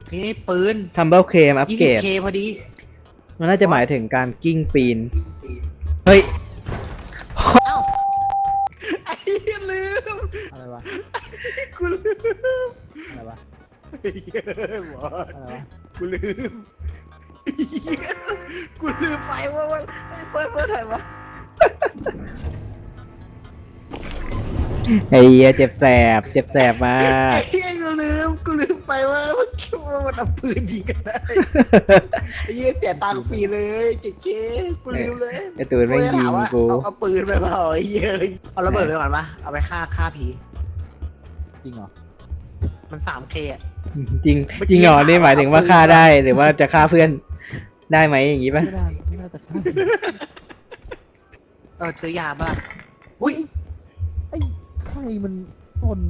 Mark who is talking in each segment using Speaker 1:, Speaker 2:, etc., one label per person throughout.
Speaker 1: นี่ปืน
Speaker 2: Tumble Claim อัปเกรด
Speaker 1: 20K พอดี
Speaker 2: มันน่าจะหมายถึงการกิ้งปีน เฮ้ย
Speaker 1: เอ้าไอ้เหี้ยลืม
Speaker 3: อะไรวะ
Speaker 1: กูลืม
Speaker 3: อะไรวะ
Speaker 1: ไอ้เหี้ยหมอ
Speaker 3: อะไรวะ
Speaker 1: กูลืมไอ้เหี้ยกูลืมไปว่าไอ้เฟิร์สถ่ายวะ
Speaker 2: ไอ้เหี้ยเจ็บแสบมา
Speaker 1: ไอ้
Speaker 2: ก
Speaker 1: เหี้ยกูลืมไปว่ามันเอาปืนยิงกันได้ไอ้เหี้ยเสียตังค์ฟรีเลยเจ๊กูลืมเลย
Speaker 2: ไอ้ตูนแม่งยิงกู
Speaker 1: เอาปืนไปเปล่าไอ้เหี้ยเอาระเบิดไปก่อนปะเอาไปฆ่าผี
Speaker 3: จริงเหรอ
Speaker 1: มัน 3K อ่ะ
Speaker 2: จริงจริงเหรอนี่หมายถึงว่าฆ่าได้หรือว่าจะฆ่าเพื่อนได้ไหมอย่างงี้ป่ะ
Speaker 3: ไม่น่าจะฆ่า
Speaker 1: ซื้อยาบ้างอุ้ย
Speaker 3: ไอ้ใครมันคน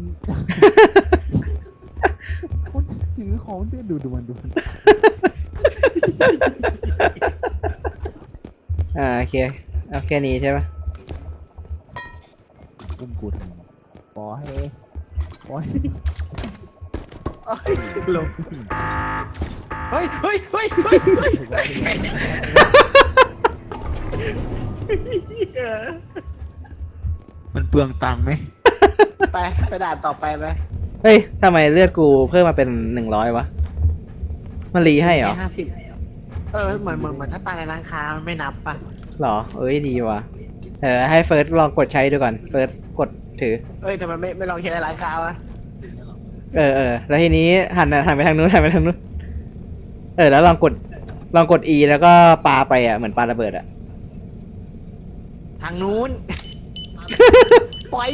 Speaker 3: คนถือของเพื่อนดูมัน
Speaker 2: โอเคเอาแค่นี้ใช่ป่ะ
Speaker 3: อุ้มกูทำปล่อย
Speaker 1: เอ้ยลงเฮ้ย
Speaker 3: มันเปลืองตังค์ไหม
Speaker 1: ไปด่านต่อไปไหม
Speaker 2: เฮ้ยทำไมเลือดกูเพิ่มมาเป็น100วะมันรีให้เหรอ
Speaker 1: แค่50เหมือนถ้าตายในร้านค้ามันไม่นับปะ
Speaker 2: หรอเอ้ยดีว่ะให้เฟิร์สลองกดใช้ดูก่อนเฟิร์สกดถือ
Speaker 1: ทำไมไม่ลองใช้ในร้านค้าวะ
Speaker 2: แล้วทีนี้หันไปทางนู้นแล้วลองกด E แล้วก็ปาไปอ่ะเหมือนปาระเบิดอ่ะ
Speaker 1: ทางนู้น ปล่อย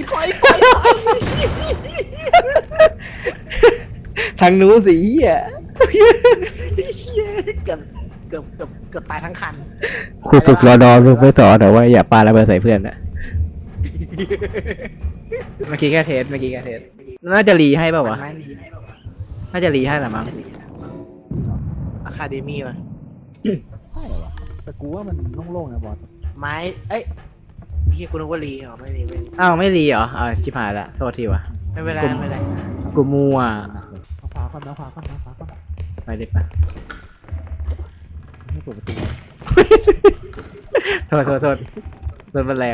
Speaker 2: ทางนู้นสิอ่ะ
Speaker 1: เกือบตายทั้งคัน
Speaker 2: ครูฝึกรอดอลูกไม่สอนแต่ว่าอย่าปาระเบิดใส่เพื่อนนะเมื่อกี้แค่เทสน่าจะรีให้เปล่าวะน่าจะรีให้แหละมั้ง
Speaker 1: อะคาเดมี่วะ
Speaker 3: ใช่เหรอวะแต่กูว่ามันโล่งๆนะบอส
Speaker 1: ไม้พี่กูนึกว่ารีเหรอไม่รี
Speaker 2: อ้าวไม่รีเหรอชิบหายละโทษทีวะ
Speaker 1: ไม่เป็นไร
Speaker 2: กูมัว
Speaker 3: หนักเลยเอาขวาก่อน
Speaker 2: ไปเลยปะ
Speaker 3: ให้เปิดประตู
Speaker 2: โทษโดนมันแรง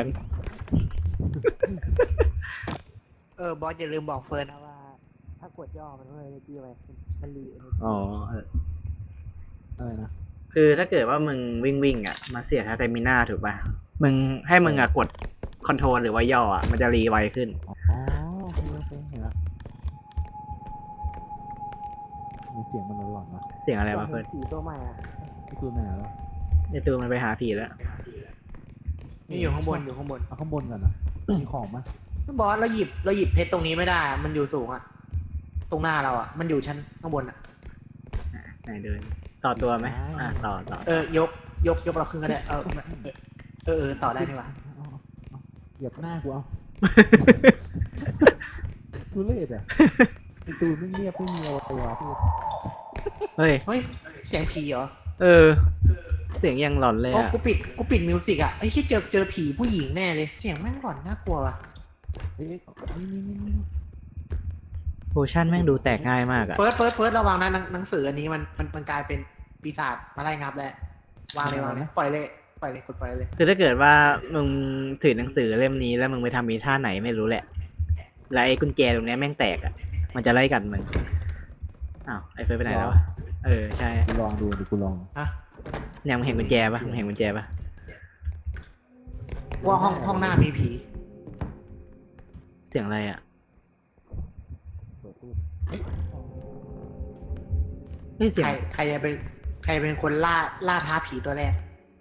Speaker 1: บอสอย่าลืมบอกเฟิร์นนะว่า ถ้ากดย่อมันเลยที่อะไรมันรี
Speaker 2: อ๋อ
Speaker 3: อะไรนะ
Speaker 2: คือถ้าเกิดว่ามึงวิ่งอ่ะมาเสียค่าสเตมิน่าถูกป่ะมึงให้มึงอ่ะกดคอนโทรลหรือว่าย่ออ่ะมันจะรีไวขึ้น
Speaker 3: อ๋อโอเคเห็นละมีเสียงมันหลอนๆวะ
Speaker 2: เสียงอะไรวะเพื่อน
Speaker 1: ผีตัวใหม่อะ
Speaker 3: ไอ้ตัวไหนแล้ว
Speaker 2: ในตัวมันไปหาผีแล้ว
Speaker 1: นี่อยู่ข้างบน
Speaker 3: เอาข้างบนก่อนนะมีของมั้ย
Speaker 1: บอสเราหยิบเพชรตรงนี้ไม่ได้ มันอยู่สูงอะตรงหน้าเราอะมันอยู่ชั้นข้างบนอะ
Speaker 2: ไหนเดินต่อตัวไหมต่อย
Speaker 1: กเราขึ้นก็ได้ต่อได้นี่หว่า
Speaker 3: เหยียบหน้ากูเอาทุเรศอ่ะไอ้ตูนไม่เงียบไม่มีอะไรวะพี่
Speaker 2: เฮ้ย
Speaker 1: เฮ้ยเสียงผีเหรอ
Speaker 2: เสียงยังหลอนเลย
Speaker 1: อ๋อ
Speaker 2: อ่ะ
Speaker 1: กูปิดมิวสิกอะไอ้ที่เจอผีผู้หญิงแน่เลยเสียงแม่งหลอนน่ากลัวว่ะ
Speaker 3: เอ้ยนี่
Speaker 2: โพชั่นแม่งดูแตกง่ายมากอ่ะ
Speaker 1: เฟิร์สระวังนะหนังสืออันนี้มันกลายเป็นปีศาจมาไล่งับแล้ววางเลยปล่อยเลยกดปล่อยเลย
Speaker 2: คือถ้าเกิดว่ามึงถือหนังสือเล่มนี้แล้วมึงไปทำมีท่าไหนไม่รู้แหละ แล้วไอ้กุญแจตรงนี้แม่งแตกอ่ะมันจะไล่กัดมึงอ้าวไอ้เฟิร์สไปไหนแล้วใช่
Speaker 3: กูลองดูดิกูลอง
Speaker 1: ฮะ
Speaker 2: เนี่ยมึงเห็นกุญแจปะ
Speaker 1: ว่าห้องหน้ามีผี
Speaker 2: เสียงอะไรอ่ะ
Speaker 3: เปิดตู้
Speaker 2: เฮ้ยเสียง
Speaker 1: ใครเป็นคนล่าท้าผีตัวแรก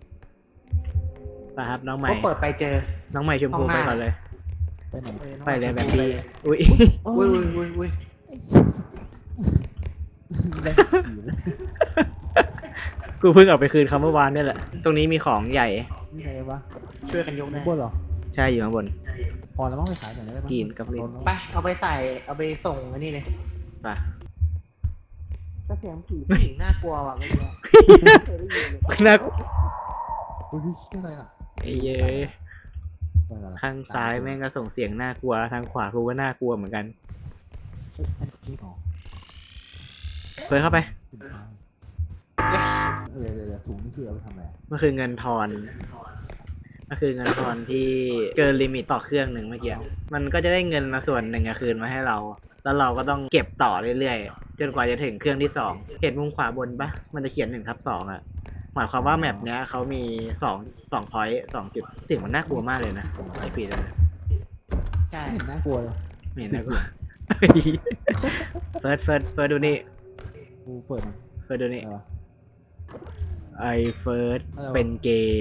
Speaker 2: ป่ะครับน้องใหม่
Speaker 1: ก็เปิดไปเจอ
Speaker 2: น้องใหม่ชมพู
Speaker 1: ห้องห
Speaker 2: ไป
Speaker 1: น้า
Speaker 2: ก่อนเลย
Speaker 3: ไปไหน
Speaker 2: ไปเลยแบบดีอุ้ย
Speaker 1: อุ้ย
Speaker 3: ได้ผีเลย
Speaker 2: กูเพิ่งเอาไปคืนเขาเมื่อวานนี่แหละตรงนี้มีของใหญ่
Speaker 3: นี่ไงวะ
Speaker 1: ช่วยกันยก
Speaker 3: ข้า
Speaker 1: ได้
Speaker 3: งบนเหรอ
Speaker 2: ใช่อยู่ข้างบน
Speaker 3: พอแล้วมั้งไปขายอย่างไรได้บ้าง
Speaker 2: กินกับเล่น
Speaker 1: ไปเอาไปส่งอันนี้เลย
Speaker 2: ป่ะ
Speaker 1: ก็เสียงผีผู้หญิงน่ากลัวว่ะเมื่อกี้
Speaker 2: น่า
Speaker 3: เฮ้ยอะไรอ่ะ
Speaker 2: ไอ้เย้ย
Speaker 3: ไปก่อนละ
Speaker 2: ข้างซ้ายแม่งก็ส่งเสียงน่ากลัวทางขวากูก็น่ากลัวเหมือนกัน
Speaker 3: เฮ้ยอันนี้ของ
Speaker 2: เฟิร์สเข้าไป
Speaker 3: สินค้าเดี๋ยวถุงนี่คือเอาไปทำอะไร
Speaker 2: มันคือเงินทอนมันคือเงินทอนที่เกินลิมิตต่อเครื่องหนึ่งเมื่อกี้มันก็จะได้เงินมาส่วนหนึ่งคืนมาให้เรา แล้วเราก็ต้องเก็บต่อเรื่อยๆจนกว่าจะถึงเครื่องที่สองเห็นมุมขวาบนปะมันจะเขียน1/2อะหมายความว่าแมปเนี้ยเขามีสองพอยต์2 จุดสิ่งมันน่ากลัวมากเลยนะไอปีเลย
Speaker 1: ใช่
Speaker 3: ไม่เห็นน่ากลัวเลย
Speaker 2: ไม่เห็นน่ากลัว เฟิร์สดูนี่
Speaker 3: กูเปิดมัน
Speaker 2: เฟิร์สดูนี่
Speaker 3: เออ
Speaker 2: ไอเฟิร์ส
Speaker 3: อะไรวะ
Speaker 2: เป็นเกย์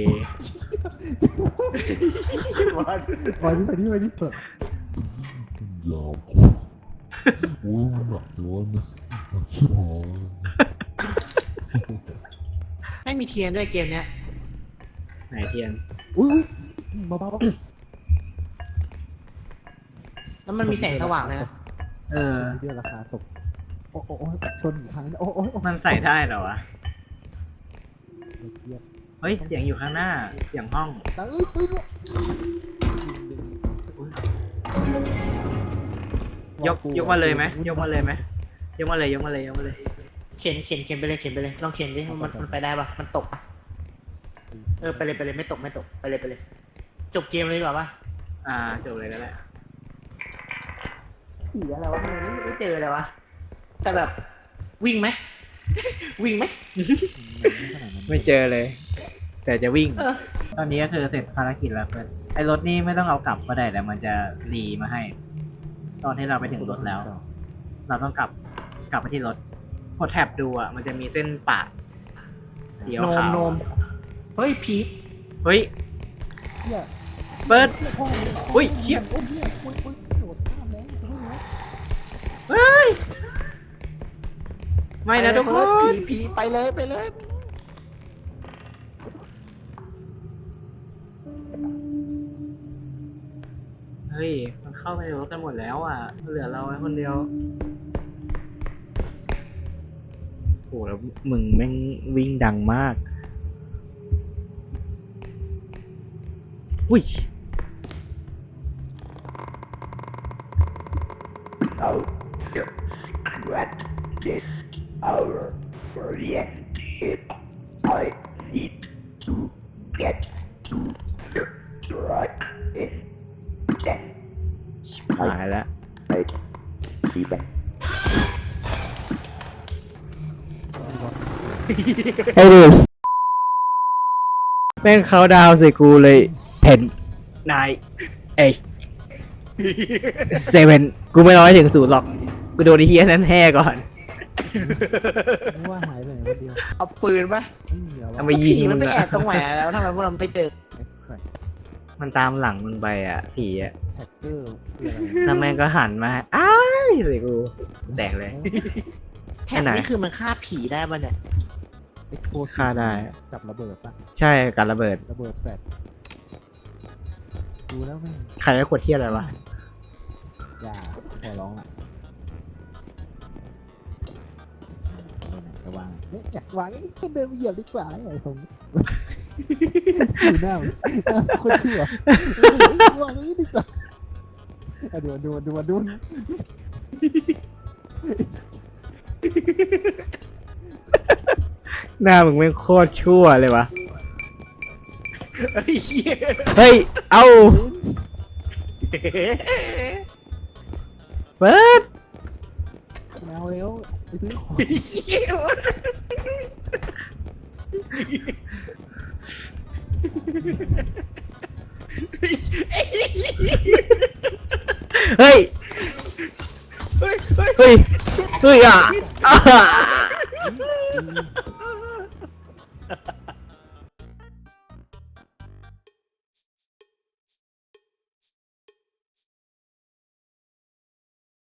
Speaker 3: ไปดิเปิด
Speaker 4: ยาวโอ้ยมันหนักอยู่วะเนี่ยหนักชิบหาย
Speaker 1: ไม่มีเทียนด้วยเกมเนี้ย
Speaker 2: ไหนเทียน
Speaker 3: อุ้ยเบา
Speaker 1: แล้วมันมีแสงสว่างเลยนะ
Speaker 2: เออ
Speaker 3: เดียวราคาตกโอ้ชนอีกครั้งโอ้
Speaker 2: มันใส่ได้เหรอวะ
Speaker 3: เทียบ
Speaker 2: เฮ้ย เสียงอยู่ข้างหน้า เสียงห้อง
Speaker 3: แต่ปืน
Speaker 2: ยกมาเลยไหมยกมาเลยไหมยกมาเลย
Speaker 1: เข็นไปเลยลองเข็นดิมันไปได้ปะมันตกปะไปเลยไม่ตกไปเลยจบเกมเลยดีกว่าปะ
Speaker 2: จบเลยก็ได้
Speaker 1: ผีอะไรวะไม่เจอเลยวะแต่แบบวิ่งไหม วิ่งไหม
Speaker 2: ไม่เจอเลย แต่จะวิ่ง
Speaker 1: เออ
Speaker 2: ตอนนี้ก็คือเสร็จภารกิจแล้วเพื่อนไอ้รถนี่ไม่ต้องเอากลับก็ได้แต่มันจะรีมาให้ ตอนที่เราไปถึงรถแล้ว เราต้องกลับไปที่รถกดแท็บดูอ่ะมันจะมีเส้นปะสีขาว
Speaker 1: โนมเฮ้ยผี
Speaker 2: เฮ้ย
Speaker 3: เนี่ย
Speaker 2: เปิด อุ้ยเชี่ย
Speaker 3: โอ้ยโดดข้ามแล้วไม่รู้
Speaker 2: เฮ้ยไม่นะทุกคน
Speaker 1: ผีไปเลย
Speaker 2: เฮ้ยมันเข้าไปในรถกันหมดแล้วอ่ะเหลือเราไว้คนเดียวโอ้แล้วมึงแม่งวิ่งดังมากอุ้ย
Speaker 4: What is our reactive? I need to get to the right in that
Speaker 2: หายแล้ว
Speaker 4: right even.
Speaker 2: ไอ้ดิแม่งเขาดาวใส่กูเลย10 9 8 7กูไม่ร้อยถึง0หรอกกูโดนไอ้เฮียนั้นแห่ก่อน
Speaker 3: นึกว่าหายไปไหนคนเดียว
Speaker 1: เอาปืนปะ
Speaker 3: ไม่มีแล้ว
Speaker 2: ทำไม ยิง
Speaker 1: ผีมันไป
Speaker 2: มึงอะ
Speaker 1: แอบตรงไหนแล้วทำไมพวกเราไม่เจอ
Speaker 3: extract
Speaker 2: มันตามหลังมึงไปอ่ะผีอ่ะ
Speaker 3: hacker คืออะไร
Speaker 2: แล้วแม่งก็หันมาอ้ายใส่กูแตกเลย
Speaker 1: แท็บนี่คือมันฆ่าผีได้ปะเนี่ย
Speaker 3: เอ็กโพ
Speaker 2: ฆ่าได้
Speaker 3: กับระเบิดปะ
Speaker 2: ใช่การระเบิด
Speaker 3: ระเบิดแฟลชดูแล้วไม่
Speaker 2: ใครได้ขวดเทียอะไรวะ
Speaker 3: อย่าขอร้องละไปไหนก็วางเนี่ยอยากวางเดินไปเหยียบดีกว่าไอ้ทรงนี้ดูหน้ามันคนชั่ววางนี้ดีกว่าดู
Speaker 2: หน้ามึงแม่งโคตรชั่วเลยวะ
Speaker 1: ไอ้เหี้ย
Speaker 2: เฮ้ย เอาเปิด
Speaker 3: แมวเร็วไปซื้อของ
Speaker 1: ไอ้เหี้ย
Speaker 2: เฮ้ย
Speaker 1: เฮ้ย
Speaker 2: เฮ้ยอ่ะ